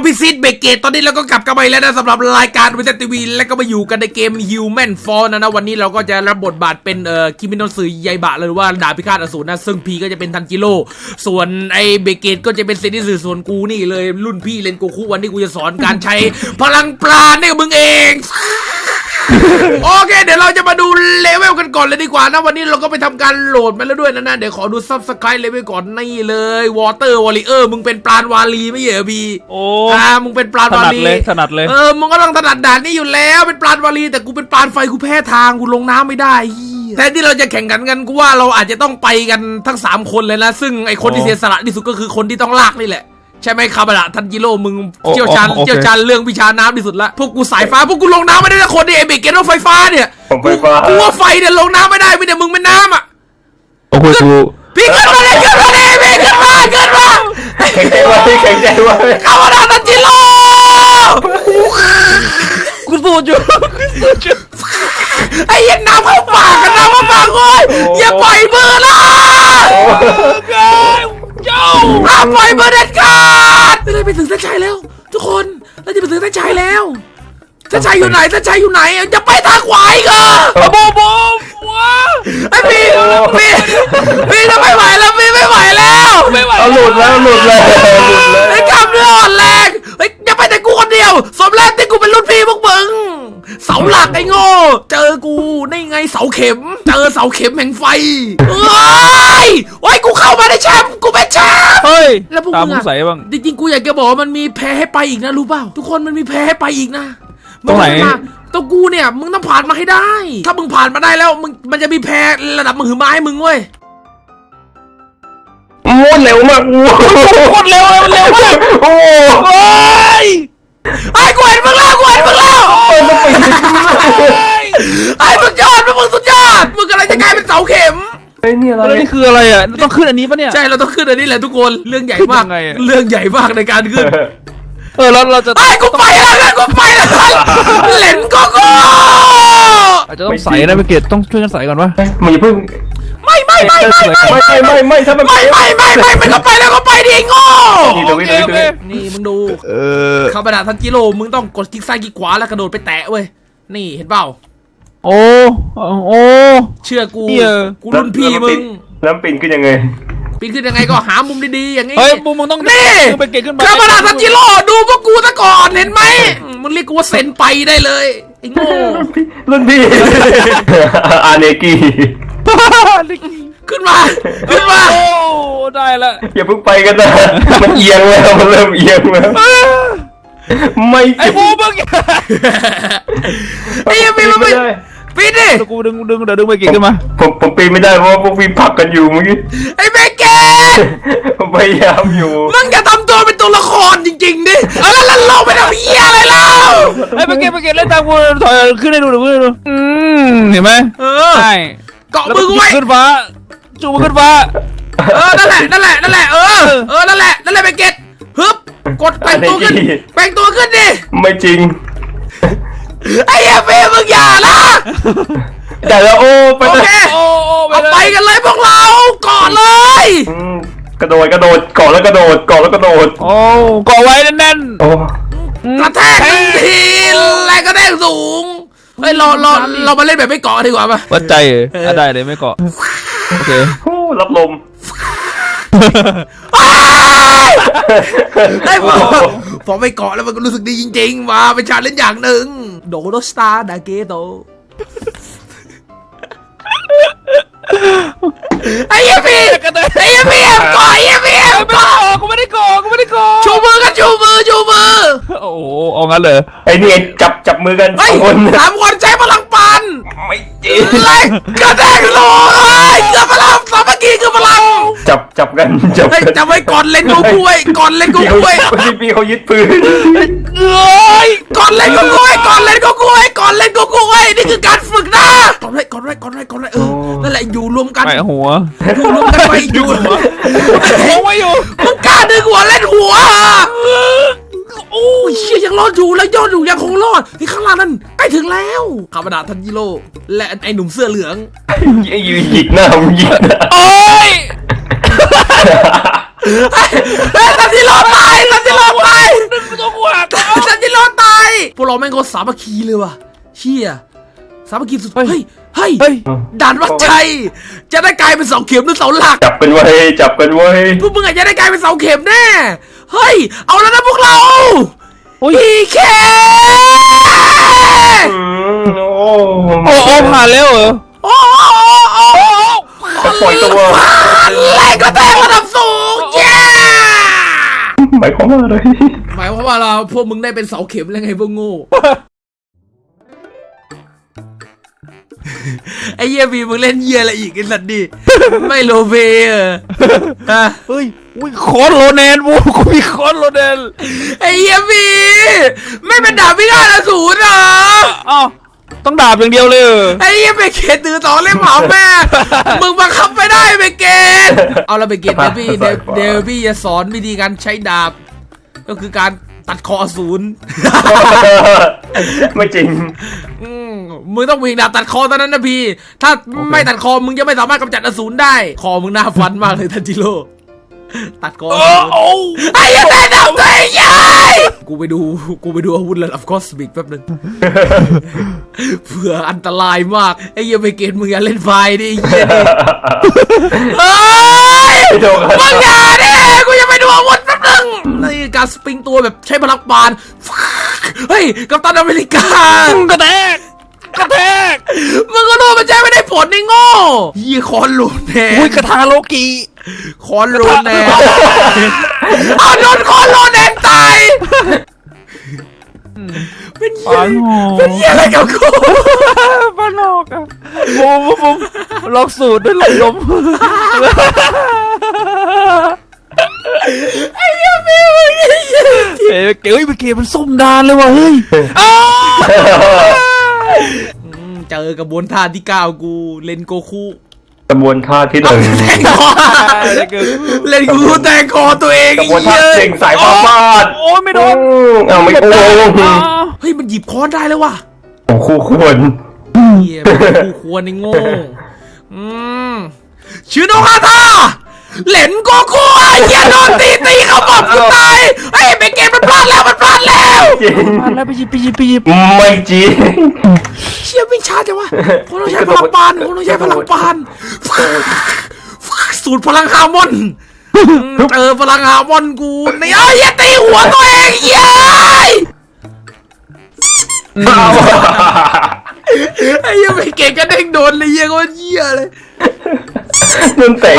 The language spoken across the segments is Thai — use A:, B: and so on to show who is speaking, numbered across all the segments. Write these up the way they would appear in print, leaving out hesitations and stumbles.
A: พิซิตเบเกตตอนนี้เราก็กลับกันไปแล้วนะสำหรับรายการวิทยุทีวีและก็มาอยู่กันในเกม Human Fall นะวันนี้เราก็จะรับบทบาทเป็นคิมิโนะสึยายบะหรือว่าดาบพิฆาตอสูรนะซึ่งพีก็จะเป็นทันจิโร่ส่วนไอเบเกตก็จะเป็นเซนิสึส่วนกูนี่เลยรุ่นพี่เลนโกคุวันนี้กูจะสอนการใช้พลังปราณให้กับมึงเองโอเคเดี๋ยวเราจะมาดูเลเวลกันก่อนเลยดีกว่านะวันนี้เราก็ไปทำการโหลดมาแล้วด้วยนะเดี๋ยวขอดูซับสไครต์เลเวลก่อนนี่เลยวอเตอร์วอลเลเยอร์มึงเป็นปราณวาลีไม่เหรอพี่
B: โอ้
A: มึงเป็นปราณวาลี
B: ถนัดเลย
A: มึงก็ต้องถนัดด่านนี้อยู่แล้วเป็นปราณวาลีแต่กูเป็นปราณไฟกูแพ้ทางกูลงน้ำไม่ได้แทนที่เราจะแข่งขันกันกูว่าเราอาจจะต้องไปกันทั้ง3คนเลยนะซึ่งไอคนที่เสียสละที่สุดก็คือคนที่ต้องลากนี่แหละใช่ไหมคาบะทันจิโร่มึงเชี่ยวชาญเรื่องวิชาน้ำที่สุดละพวกกูสายฟ้าพวกกูลงน้ำไม่ได้นะคนเดียเบเกตรถไฟฟ้าเนี่ยกูว่าไฟเนี่ยลงน้ำไม่ได้ไม่ได้มึงเป็นน้ำอ่ะ
B: โอ้โห
A: พี่ขึ้นมาเลยพี่ขึ้นมาแข่งใจไว้คาบะทันจิโร่
B: กูสู้จุ
A: ไอ้ยันน้ำเข้าปากกันน้ำเข้าปากเลยอย่าปล่อยมือนะห้ามปล่อยมือเด็ดขาดเราไปถึงเส้นชัยแล้วทุกคนเราจะไปถึงเส้นชัยแล้วเส้นชัยอยู่ไหนจะไปทางขวาอีกเหรอ
B: โบ
A: ไอ้พี่จะไม่ไหวแล้วพี่ไม่ไหวแล้ว
B: หลุดเลย
A: ไอ้กำเนื้ออ่อนแรงไอ้อย่าไปแต่กูคนเดียวสมแรกที่กูเป็นรุ่นพี่พวกมึงเสาหลักไอ้โง่เจอกูนี่ไงเสาเข็มเจอเสาเข็มแห่งไฟโอ้ยกูเข้ามาในแชมป์กูเป็นแชมป์
B: เฮ้ย
A: แล้วพวกมึงใส่บ้างจริงๆกูอยากจะบอกมันมีแพ้ให้ไปอีกนะรู้เปล่าทุกคนมันมีแพ้ให้ไปอีกนะ
B: ตรงไหน
A: ตัวกูเนี่ยมึงต้องผ่านมาให้ได้ถ้ามึงผ่านมาได้แล้วมันจะมีแพ้ระดับมือไม้มึงเว้ย
B: เร็วมากโคตรเร็วมากโอ้ย
A: ไอ้กูเห็นมึงแล้วไอ้สุดยอดมึงสุดยอดมึงกำลังจะกลายเป็นเสาเข็ม
B: ไอ้นี่อะไรนี่คืออะไรอ่ะต้องขึ้นอันนี้ปะเนี่ย
A: ใช่เราต้องขึ้นอันนี้แหละทุกคนเรื่องใหญ่มากในการขึ้น
B: แล้วเราจะ
A: ไอ้กูไปแล้วเล่นก็
B: อาจจะต้องใส่นะไปเกตต้องช่วยกันใส่ก่อนวะ
C: มึงอย่าเพิ่ง
A: ไม่ถ้ามันไม่ก็ไปแล้วก็ไปดิโง่นี่มึงดูคาบะทันจิโร่มึงต้องกดคลิกซ้ายคลิกขวาแล้วกระโดดไปแตะเว้ยนี่เห็นเปล่า
B: โอ้
A: เชื่อกูรุ่นพี่มึง
C: แล้วปีนขึ้นยังไง
A: ก็หามุมดีๆอย่างงี้
B: เฮ้ยมึงต้อง
A: นี่
B: ไปเกตขึ้นมา
A: คาบะทันจิโร่ดูพวกกูซะก่อนเห็นไหมมึงเรียกกูว่าเซนไปได้เลยไอ้โง่
C: รุ่นพี่อาเนกิ
A: ขึ้นมา
B: โอ้ได้ละ
C: อย่าเพิ่งไปกันนะมันเอียงแล้วมันเริ่มเอียงแล้วไม่
B: ไอ้โบมึง
A: ไอ้ยังไม่ปีนดิ
B: กูดึงเดี๋ยวดึงไปเกตขึ้นมา
C: ผมปีนไม่ได้เพราะพวกพี่ผลักกันอยู่เมื่อกี้
A: ไอ้เบเกต
C: ผมพยายามอยู่
A: มึงจะทำตัวเป็นตัวละครจริงๆดิแล้วเราไปทำเหี้ยอะไรเล่า
B: ไอ้เบเกตเล่นตามกูถอยขึ้นให้ดูเห็นไหมใช่
A: เกาะมือไว้
B: ขึ้นฟ้าจูบขึ้นฟ้า
A: นั่นแหละนั่นแหละนั่นแหละเบเกตฮึบกดแปลงตัวขึ้นดิ
C: ไม่จริง
A: ไอ้เอฟมึงอย่านะ
C: แต่แล้วโอ้ไปเลย
A: เอาไปกันเลยพวกเรากอดเลย
C: กระโดดเกาะแล้วกระโดด
B: โอ้เกาะไว้แน่น
C: โอ้
A: กระแทกทีแรงกระแทกสูงเฮ้ยเรามาเล่นแบบไม่เกาะดีกว่าป่ะ
B: วัดใจได้เลยไม่เกาะโอเครับ
C: ลม
A: ไอ้พอไม่เกาะแล้วมันก็รู้สึกดีจริงๆมาเป็นชาเลนจ์อย่างหนึ่งโดโรสตาร์ดาเกโตไอ้ยังพี่เกาะกูไม่ได้เกาะชูมือ
B: โอ้โหเอางั้นเลย
C: ไอ้นี่จับมือกัน
A: 3 คนใช้พลังปัน
C: ไม่จริง
A: เลยกระแทกโลเกือบพลังสามัคคีคือพลัง
C: จับกัน
A: จับไว้ก่อนเล่นกูกล้วย
C: พี่เขายึดปืน
A: ก่อนเล่นกูกล้วยนี่คือการฝึกนะก่อนไว้นั่นแหละอยู่รวมกัน
B: ไปหัว
A: ไปอยู่
B: ไม่อยู่
A: มึงกล้าดึงหัวเล่นหัวโอ้ยเชี่ยยังรอดอยู่แล้วยอดอยู่ยังคงรอดที่ข้างล่างนั้นใกล้ถึงแล้วคาบะทันจิโร่และไอ้หนุ่มเสื้อเหลือง
C: หยิกหน้ามึงหยิก
B: โอ้ย
A: ซันจิโร่ตายซันจิโร่ตาย
B: ตัวกูหัก
A: ซันจิโร่ตายพวกเราแม่งก็สามัคคีเลยว่ะเชี่ยสามัคคีสุดเฮ้ยด่านวัดชัยจะได้กลายเป็นเสาเข็มหรือเสาหลัก
C: จับกันไว้จับกันไว้
A: พวกมึงอาจจะได้กลายเป็นเสาเข็มแน่เฮ้ยเอาแล้วนะพวกเรา พีเค
C: โอ้
B: โอ้ผ่านแล้วเหรอ
A: โอ้
C: ปล่อยตัว
A: แรงกระแทกระดับสูงเย้
C: หมายความว่าอะไร
A: หมายความว่าเราพวกมึงได้เป็นเสาเข็มแล้วไงพวกโง่ไอ้เหี้ยบีมึงเล่นเหี้ยอะไรอีกไอ้สัตว์ดิไม่โลเวฮะ
B: เฮ้ยอุ้ยคอนโรแนนวูกูมีคอนโรแนน
A: ไอ้เหี้ยบีไม่เป็นดาบพิฆาตอสูรเหรอ
B: อ้าวต้องดาบอย่างเดียวเลย
A: ไอ้เหี้ยเบเกตถือต่อเล่มเผาแม่มึงบังคับไม่ได้เบเกตเอาละเบเกตเดี๋ยวพี่จะสอนวิธีการใช้ดาบก็คือการตัดคออสูร
C: ไม่จริง
A: มึงต้องวิ่งดาบตัดคอตอนนั้นนะพี่ถ้าไม่ตัดคอมึงจะไม่สามารถกำจัดอสูรได้คอมึงน่าฟันมากเลยทันจิโร่ตัดคอไอ้ยังได้ดับตัวเองยัยกูไปดูอาวุธระดับคอสมิกแป๊บนึงเผื่ออันตรายมากไอ้เหี้ยไปเกณฑ์มึงอย่าเล่นไฟดิไอ้เหี้ยดิเฮ้ยมึงอย่าดิกูจะไปดูอาวุธแป๊บนึงนี่การสปริงตัวแบบใช้พลังปานเฮ้ยกัปตันอเมริกากระแทกมึงก็รู้มันใช้ไม่ได้ผลในโง่ยี่คอนโลแน
B: อุ้ยกระทาโลกี
A: คอนโลแนนเอาโดนคอนโลแนนตายเป็นเหี้ยอะไรกับกู
B: ปานอกอะบูมลองสูตรด้วยหลงลม
A: ไอ้เหี้ยพี่มึง
B: เฮ้ยเกมมันส้มดานเลยว่ะเฮ้ย
A: เจอกระบวนท่าที่9กูเล่นโกคุ
C: กระบวนท่าที่หนึ่ง
A: เล่นกูแต่งคอตัวเอง
C: กระบวนท่าเก่งสายฟ้าฟาด
B: โอ้ยไม่โดน
C: เอาไม่โกง
A: เฮ้ยมันหยิบค้อนได้แล้วว่ะ
C: โอ้คู่ควร
A: เหี้ยกูควรในโง่ชื่อโนคาทาเหลนโกคุไอ้เหี้ยโดนตีเขาบอกกูตายไอ้เบเกมมันพลาดแล้ว
C: จริง
B: มาแล้วไปหยิบ
C: ไม่จริง
A: เชี่ยวิ่งช้าจังวะผมต้องใช้พลังปานสูตรพลังฮาร์มอนเจอพลังฮาร์มอนกูนี่ไอ้เหี้ยตีหัวตัวเองเย้ยไอ้เหี้ยไปเก่งก็เด้งโดนเลยเหี้ยก็เหี้ยเลย
C: นั่นเตะ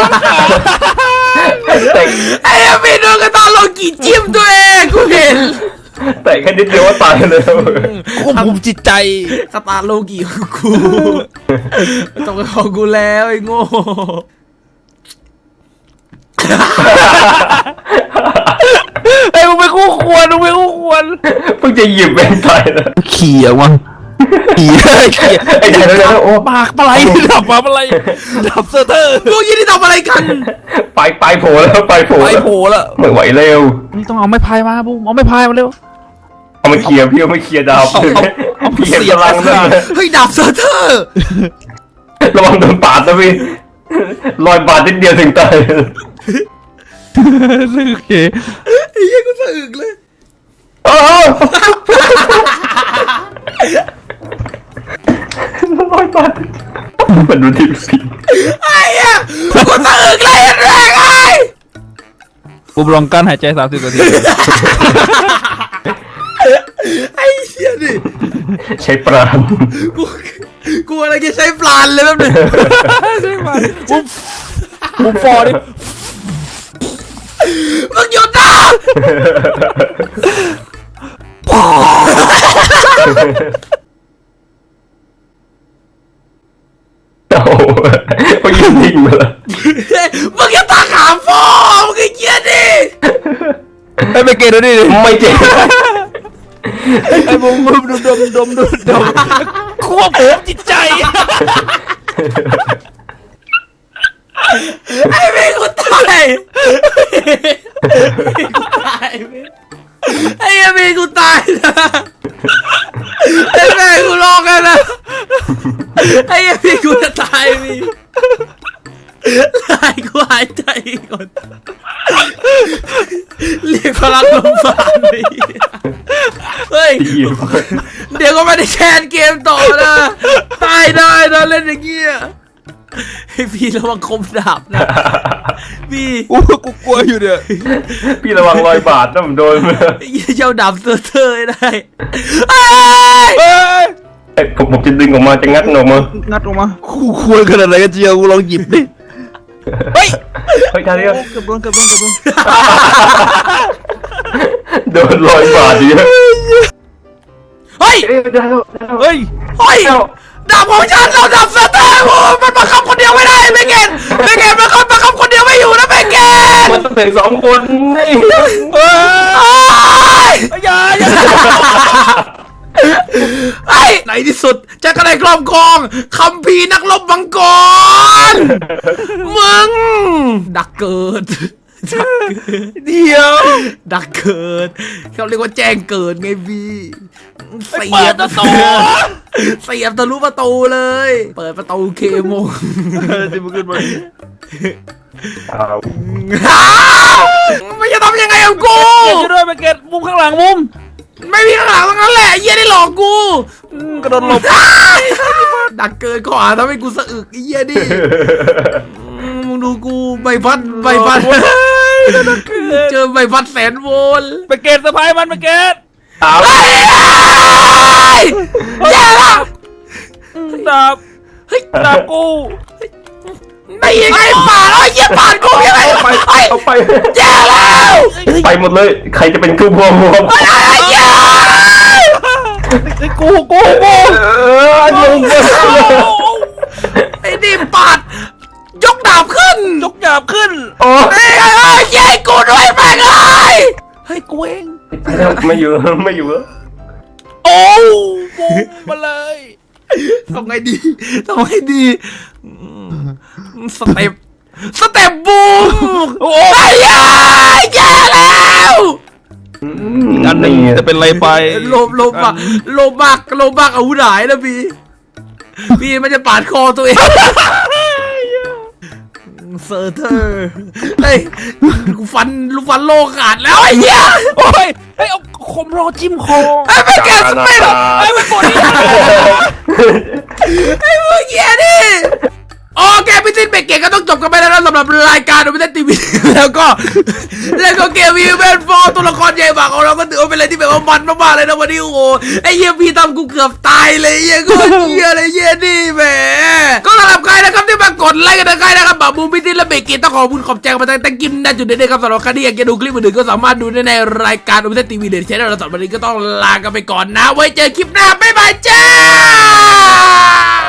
A: ไอ้เหี้ยพี่โดนกระตาโลกีจิ้มตัวเองกูเห็น
C: แต่แค่นิดเดียวว่าตายเลย
B: ควบคุมจิตใจ
A: กระตาโลกีของกูต้องไปของกูแล้วไอ้โง่
B: ไอ้มึงไปคู่ควร
C: เพิ่งจะหยิบแบงค์ตายแล้ว
B: ขี่อะวะขี่
C: ไอ้เดี๋ยวโอ้
B: ปากปลาไหลดับปลาไหลดับเซอร์เตอร์
A: พวกยี่นี่ทำอะไรกัน
C: ไปโผล่แล้วไปโผล่
B: ไปโผล่แล้ว
C: ไม่ไหวเร็ว
B: นี่ต้องเอาไม้พายมาบุ้มเอาไม้พายมาเร็ว
C: เอามาเคลียร์พี่เอามาเคลียร์ดาว
B: เอา
C: พี่เห็น
B: เสียบ
C: พลังนั่น
A: เฮ้ยดาบเซอร์เทอร์
C: ระวังโดนปาดนะพี่รอยบาดนิดเดียวถึงตาย
B: โอเค
A: ไอ้เหี้ยกูสะอึกเลย
C: รอยบาดมันดูที่สี
A: ไอ้เหี้ยกูสะอึกเลยแรงไอ้
B: บุ้มลองกั้นหายใจ30 นาที
A: ไอ้เหี้ยดิ
C: ใช้ปราณ
A: กูอะไรจะใช้ปลานเลยแบบนึง
B: บุ้มฟอร์ดิ
A: มึงหยุดนะ
C: โอ้โหพอยืนนิ่งมาแล้ว
A: มึงอย่าตาขามฟอมึงไอ้เหี้ยดิ
B: ไอ้ไปเกตดูดิ
C: ไม่เจ็บ
B: ไอ้บุ้มดมควบคุมจิตใจ
A: ไอ้เมย์กูตายไอ้เมย์กูตายนะไอ้เมย์กูร้องกันนะไอ้เมย์กูจะตายมีลายกูหายใจก่อนเรียกพลังลมปราณเลยเฮ้ยเดี๋ยวก็ไม่ได้แคนเกมต่อนะตายได้นะเล่นอย่างเงี้ยให้พี่ระวังคมดาบนะพี่
B: กูกลัวอยู่เนี่ย
C: พี่ระวังรอยบาดนะผมโดน
A: เจ้าดาบเตอร์ได้
B: เฮ้ย
C: ผมจะดึงออกมาจะงัดออกมา
B: งัดออกมากูควรขนาดไหนกันเจียวกูลองหยิบดิเฮ้ย
C: เฮ้ยท่านี้
B: เกือบโดน
C: โดนรอยบาดเยอะ
A: เฮ้ย
C: ได้แล้ว
B: เฮ้ย
A: เฮ้ยดาบของฉันเราดาบเตอร์โอ้มันบังคับคนเดียวไม่ได้เบเกตมันบังคับคนเดียวไม่อยู่นะเบเกต
C: มันต้องถึง2 คนนี่
B: อย่า
A: ไอ้ในที่สุดจะก็ได้ครอบครองคัมภีร์นักรบมังกรมึงดักเกิด
B: เดี๋ยว
A: ดักเกิดเขาเรียกว่าแจ้งเกิดไงพี่เสี
B: เปิ
A: ย
B: ด
A: บ
B: ประตู
A: เสียบทะลุประตูเลย เปิดประตูเคมง
B: ที่มึงขึ้นมา
A: ไม่จะทำยังไงกับกู
B: ช่วยด้วยไปเก็ตมุมข้างหลังมุม
A: ไม่มีข้างหลังทั้งนั้นแหละไอ้เหี้ยได้หลอกกู
B: กระโดดหลบ
A: ดักเกินข้อหาทำให้กูสะอึกไอ้เหี้ยดิมึงดูกูใบพัดเจอใบพัดแสนโวลต์
B: ไปเก็ตสะพายมันไปเก็ต
A: แย่ละ
B: ดาบดาบกู
A: ได้ยังไงป่าดไอ้เหี้ยป่าดกูยังไง
C: เอาไป
A: แย่แล้ว
C: ไปหมดเลยใครจะเป็นคู่พวง
A: ไอ้เหี้ย
B: ไอ้กู
A: ไอ้นี่ปาดยกดาบขึ้น
B: ยกดาบขึ้น
C: โอ้
A: เอ้ยแย่กูด้วยแม่งเลย
B: เฮ้ยกูเอง
C: ไม่อยู่แล้ว
B: โอ้บูมมาเลย
A: ทำไงดีสเต็ปบูม
B: โอ้
A: ไอ้เหี้ยแย่แล้ว
B: อันหนึ่งจะเป็นอะไรไป
A: โลมากอาวุธหายนะพี่มันจะปาดคอตัวเองเซอร์เทอร์เฮ้ยกูฟันโลขาดแล้วไอ้เหี้ย
B: โอ้ยเฮ้ยเอาคมรอจิ้มคอ
A: ไอ้ไม่แกสเปน
B: ไอ้ไม่กดนี่
A: ไอ้พวกเหี้ยนี่โอเคพี่ติ๊กเบรกเกตก็ต้องจบกันไปแล้วนะสำหรับรายการดูพิเศษทีวีแล้วก็เกมวีแมนฟอร์ตัวละครใหญ่มากของเราก็ถือว่าเป็นอะไรที่แบบว่ามันมากๆเลยนะวันนี้โอ้โหไอ้เหี้ยพี่ทำกูเกือบตายเลยเหี้ยก็เหี้ยอะไรเหี้ยนี่แหมก็สำหรับใครนะครับที่มากดไลค์กันนะใครนะครับแบบบูมพิติ๊กและเบรกเกตต้องขอบใจมาตั้งกิมนะจุดเด่นๆครับสำหรับใครที่อยากจะดูคลิปอื่นๆก็สามารถดูได้ในรายการดูพิเศษทีวีเดี๋ยวใช้เราสำหรับวันนี้ก็ต้องลากันไปก่อนนะไว้เจอคลิปหน้าบ๊ายบายจ้า